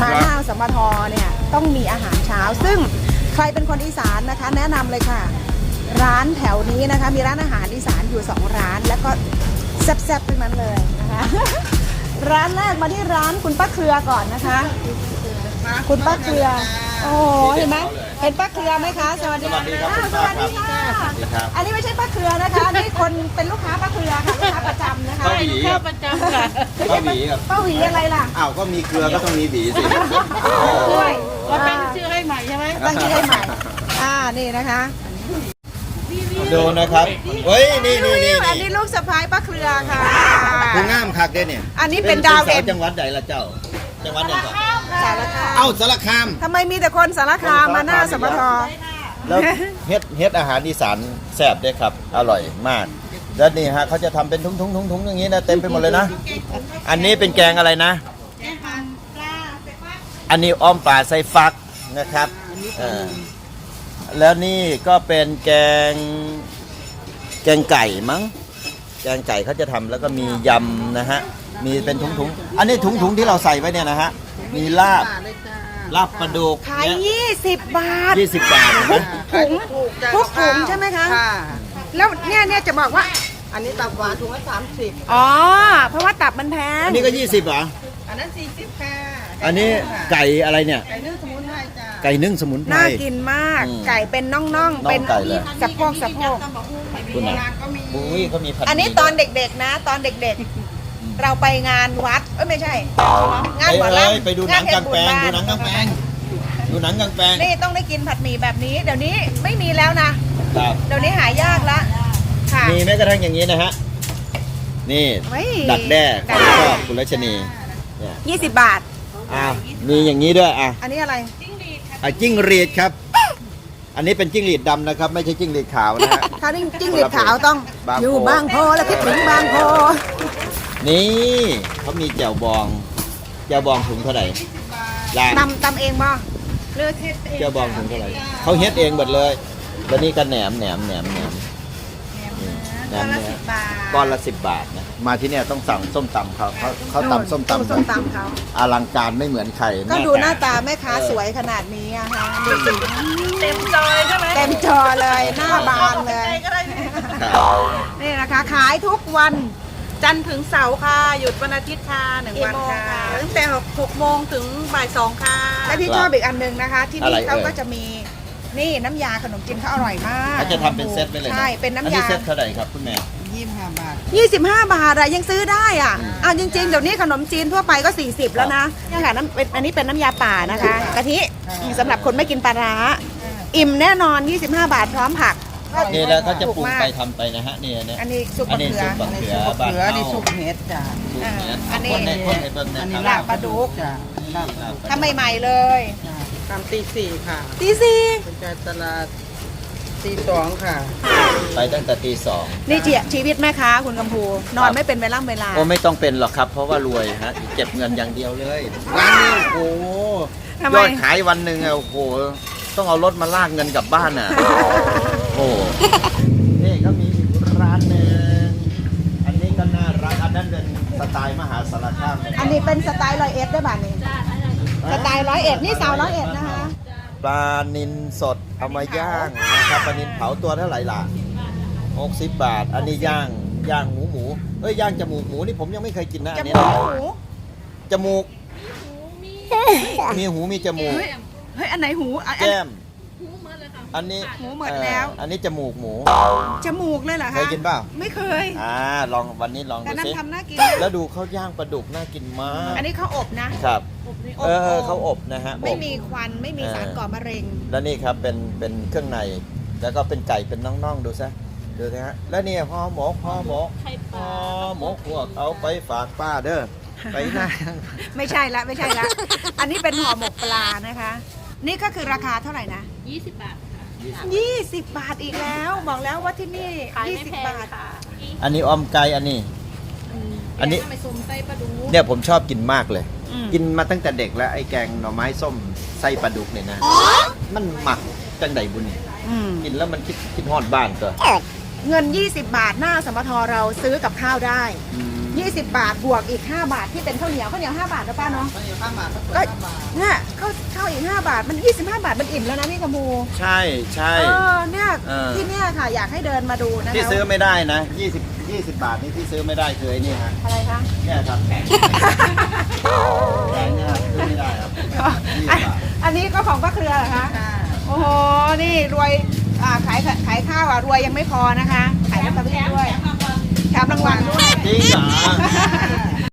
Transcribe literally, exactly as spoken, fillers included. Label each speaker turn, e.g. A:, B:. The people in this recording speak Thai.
A: มาหน้าสมทเนี่ยต้องมีอาหารเช้าซึ่งใครเป็นคนอีสานนะคะ แนะนำเลยค่ะ ร้านแถวนี้นะคะมีร้านอาหารอีสานอยู่สองร้านแล้วก็แซ่บๆทั้งนั้นเลยนะคะ ร้านแรกมาที่ร้านคุณป้าเครือก่อนนะคะ คุณป้าเครือโอ้โหเห็นไหมเห็นป้าเครือไหมคะสวัสดีค่ะสวัสดีค่ะอันนี้ไม่ใช่ป้าเครือนะคะอันนี้คนเป็นลูกค้าป้าเครือค่ะลูกค้าประจำนะคะ
B: ป้าหวีครับ
C: ประจำค่ะ
B: ป้าหวีครับ
A: ป้าหวีอะไรล่ะ
B: อ้าวก็มีเครือก็ต้องมีหวีสิ
A: ด้วย
C: เราเป็นชื่อให้ใหม่ใช่ไหม
A: ตั้งชื่อให้ใหม่อ่านี่นะคะ
B: ดูนะครับเฮ้ยนี่นี่นี่
A: อันนี้ลูกสะพ้ายป้าเครือค่ะ
B: คุณงามคักเด้เนี่ย
A: อันนี้เป็นดาวเด่น
B: จังหวัดใดละเจ้าจังหวัดไหนก่อน
A: สารคาม
B: เอ้าสารคาม
A: ทำไมมีแต่คนสารคามมาหน้าสมท
B: แล้วเฮ็ดเฮ็ดอาหารอีสานแซ่บด้วยครับอร่อยมากแล้วนี่ฮะเขาจะทำเป็นทุงๆๆๆอย่างนี้นะเต็มไปหมดเลยนะอันนี้เป็นแกงอะไรนะ อันนี้อ้อมปลาใส่ฟักนะครับเออแล้วนี่ก็เป็นแกงแกงไก่มั้งแกงไก่เขาจะทำแล้วก็มียำนะฮะมีเป็นถุงๆอันนี้ถุงๆที่เราใส่ไว้เนี่ยนะฮะมีลาบลาบปลาดุก
A: ขายยี่สิบบาท
B: ยี่สิบบาทนะ
A: ถุงทุกถุงใช่ไหมคะ
D: ค่ะ
A: แล้วเนี่ยเนี่ยจะบอกว่า
D: อันนี้ตับหวานถุงละสามสิบ
A: อ๋อ เพราะว่าตับมันแพง
B: อันนี้ก็ยี่สิบเหรอ
D: อันนั้นสี่สิบค่ะ
B: อันนี้ไก่อะไรเนี่ย
D: ไก่นึ่งสมุนไพรจ้า
B: ไก่นึ่งสมุนไพร
A: น่ากินมาก
B: อืม
A: ไก่เป็นน่อง
B: น่อง
A: ๆ เป็น
B: ไก่เลย
A: สะโพกสะโพก
B: คุณนะบุ้ยเขามีผัด
A: อันนี้
B: หมี่
A: ตอนเด็กๆนะ ตอนเด็กๆ เราไปงานวัด เอ้ยไม่ใช่ งานหมอ
B: เอ้ย
A: ลำ
B: ไปดูหนังกลางแปลง
A: ง
B: ดู
A: น
B: หนังกลางแปลงดูหนังกลางแปลง
A: นี่ต้องได้กินผัดหมี่แบบนี้ เดี๋ยวนี้ไม่มีแล้วนะ
B: ครับ
A: เดี๋ยวนี้หายากละค่ะ
B: มีแม้กระทั่งอย่างนี้นะฮะนี่
A: เฮ้ย
B: ดักแด้
A: ดั
B: ข
A: ก
B: อง
A: แด้
B: ชอบคุณรัชนีเนี่ย
A: ยี่สิบบาท
B: อ่ะมีอย่างนี้ด้วยอ่ะ
A: อันนี้อะไร
B: อ่ะจิ้งหรีดครับ อันนี้เป็นจิ้งหรีดดำนะครับ ไม่ใช่จิ้งหรีดขาวนะฮะ
A: ถ้านี่จิ้งหรีดขาวต้อง
B: บางโพ
A: อยู่บางโพแล้วคิดถึงบางโพ
B: นี่เขามีแจ่วบองแจ่วบองถุงเท่าไหร่ลา
A: ตำตำเองบ่เลือดเทศเอง
B: แจ่วบองถุงเท่าไหร่เขาเฮ็ดเองหมดเลยแล้วนี่ก็แหนมแหนมแหนมแหนมแหน
A: ก้อน
B: ม
A: ละ
B: เนื้
A: สิ
B: อ
A: บบาท
B: ก้อนละสิบบาทนะมาที่เนี่ยต้องสั่งส้มตำเขาเขาเขาตำส้มตำ
A: ส้มตำเขา
B: อลังการไม่เหมือนใคร
A: ก็ดูหน้า
B: แม่
A: ตาแม่ค้าสวยขนาดนี้อะค่ะดูสิ
C: เต็มจอยใช่ไหม
A: เต็มจอเลยหน้าบานเลย
C: ก็ได้
B: ครับ
A: นี่นะคะขายทุกวัน
C: จันทร์ถึงเสาร์ค่ะ หยุดวันอาทิตย์ค่ะหนึ่ง
A: กี่
C: วัน
A: โมง
C: ค่ะ
A: คะ
C: ตั้งแต่หกโมงถึงบ่ายสองค่ะ
A: และที่ชอบอีกอันหนึ่งนะคะ ที่นี่เขาก็จะมีนี่น้ำยาขนมจีนเขาอร่อยมาก
B: เขาจะทำเป็นเซตไปเลยนะ
A: ใช่เป็น
B: อั
A: น้ำ
B: นี้
A: ยา
B: เซตเท่าไหร่ครับคุณแม่
D: ยี่สิบห้าบาท
A: ยี่สิบห้าบาทอะยังซื้อได้อ่ะอ่ะจริงๆเดี๋ยวนี้ขนมจีนทั่วไปก็สี่สิบแล้วนะเนี่ยค่ะน้ำเป็นอันนี้เป็นน้ำยาป่านะคะกะทิสำหรับคนไม่กินปลาร้าอิ่มแน่นอนยี่สิบห้าบาทพร้อมผัก
B: นี่แล้วเขาจะปรุง
A: ถูกมาก
B: ไปทำไปนะฮะนี่เนี่ย
A: อันนี้ซุป
B: อัน
A: มะ
B: นี้
A: เขือ
B: ซุปมะเขือ
D: ซุป
B: บ้าน
D: เหลือ
B: เฮา
D: นี่ซุปเห็ดจ้า
B: ซุปเนื้อ
A: อันนี้
B: คนในคนในเบิ้ง
D: อันนี้
B: นะค
D: ลา
B: รั
D: บบ ปลาดุกจ้าลาบปลาดุก
A: ทำใหม่ๆเลย
D: จ้าตามตีสี่ค่ะ
A: ตีสี่
D: เป็นใจตลาดตีสองค่ะ
B: ไปตั้งแต่ตีสอง
A: นี่เจียชีวิตแม่ค้าคุณกำพูนอนไม่เป็นเวลาเวลา
B: โอ้ไม่ต้องเป็นหรอกครับ เพราะว่ารวยฮะเก็บเงินอย่างเดียวเลยร้านนี้โอ้โห
A: ทำไม
B: ยอดขายวันหนึ่งอะโอ้โหต้องเอารถมาลากเงินกลับบ้านอ่ะโอ้นี่ก็มีอีกร้านหนึ่งอันนี้ก็น่ารักอันนั้นเป็นสไตล์มหาสารคาม
A: อันนี้เป็นสไตล์ร้อยเอ็ดได้บ้านี้สไตล์ร้อยเอ็ดนี่สาวร้อยเอ็ดนะคะ
B: ปลานินสดเอามาย่างนะครับปลานินเผาตัวเท่าไหร่ล่ะหกสิบบาท อันนี้ย่างย่างหมูหมูเอ้ยย่างจมูกหมูนี่ผมยังไม่เคยกินนะ
A: จ
B: อัน
A: มู
B: นี้
A: กหมู
B: จมูกมีหูมีจมูก
A: เฮ้ยอันไหนหูอัน
B: แก้มอันนี้
A: หูหมดแล้ว
B: เอ่ออันนี้จมูกหมู
A: จมูกเลยเหรอคะ
B: เคยกินเปล่า
A: ไม่เคย
B: อ่าลองวันนี้ลอง
A: แต่
B: ดู
A: นั้น
B: สิ
A: ทำน่ากิน
B: แล้วดูเขาย่างปลาดุกน่ากินมาก
A: อันนี้เขาอบนะครับ อบ
B: เออ
A: อบ
B: เขาอบนะฮะ
A: ไม่
B: อบ
A: มีควันไม่มีสารก่อมะเร็ง
B: แล้วนี่ครับเป็นเป็นเครื่องในแล้วก็เป็นไก่เป็นน่องๆดูซะดูนะฮะแล้วเนี่ยห่อหมกห่อหมกห่อหมกพวกเอาไปฝากป้าเด้อไปหน้า
A: ไม่ใช่ละไม่ใช่ละ อันนี้เป็นห่อหมกปลานะคะ นี่ก็คือราคาเท่าไหร่นะ
C: ยี่สิบบาทค่ะ
A: ยี่สิบบาทอีกแล้ว บอกแล้วว่าที่นี่
C: ขาย
A: ยี่
C: ไม่
A: สิบ
C: แพง
A: บาท
C: ค่ะ
B: อันนี้ออมไก่อันนี้ อันนี้
C: แกงทำไมส้มไส้ปลาดุก
B: เนี่ยผมชอบกินมากเลย
A: อืม
B: กินมาตั้งแต่เด็กแล้วไอ้แกงหน่อไม้ส้มไส้ปลาดุกเนี่ยนะมันหมักจังใดบุญนี่
A: อืม
B: กินแล้วมันคิดคิดฮอดบ้านก็
A: เงินยี่สิบบาทหน้าสมทเราซื้อกับข้าวได้
B: อืม
A: ยี่สิบบาทบวกอีกห้าบาทที่เป็นข้าวเหนียวข้าวเหนียวห้าบาทนะป้าเนาะ
D: ข้าวเหนียวห้าบาทข้าวสวย
A: ก็
D: ห้าบาท
A: เนี่ยข้าวข้าวอีกห้าบาทมันยี่สิบห้าบาทมันอิ่มแล้วนะพี่กมู
B: ใช่ใช่
A: เออเนี่ย
B: เออ
A: ที่เนี่ยค่ะอยากให้เดินมาดูนะคะ
B: ที่ซื้อไม่ได้นะยี่สิบ ยี่สิบบาทนี่ที่ซื้อไม่ได้คือไอ้นี่ฮะ
A: อะไรคะ
B: เนี่ยครับแกงเนี่ยซื้อไม่ได้ครับยี่สิ
A: อัน
B: บบาท
A: อันนี้ก็ของป้าเครือเหรอคะ
D: ค่ะ
A: โอ้โห นี่รวยอ่าขายขายข้าวอ่ะรวยยังไม่พอนะคะ ขายลอตเตอรี่ด้วยแถมรางวัลด้วย
B: จริงเหรอ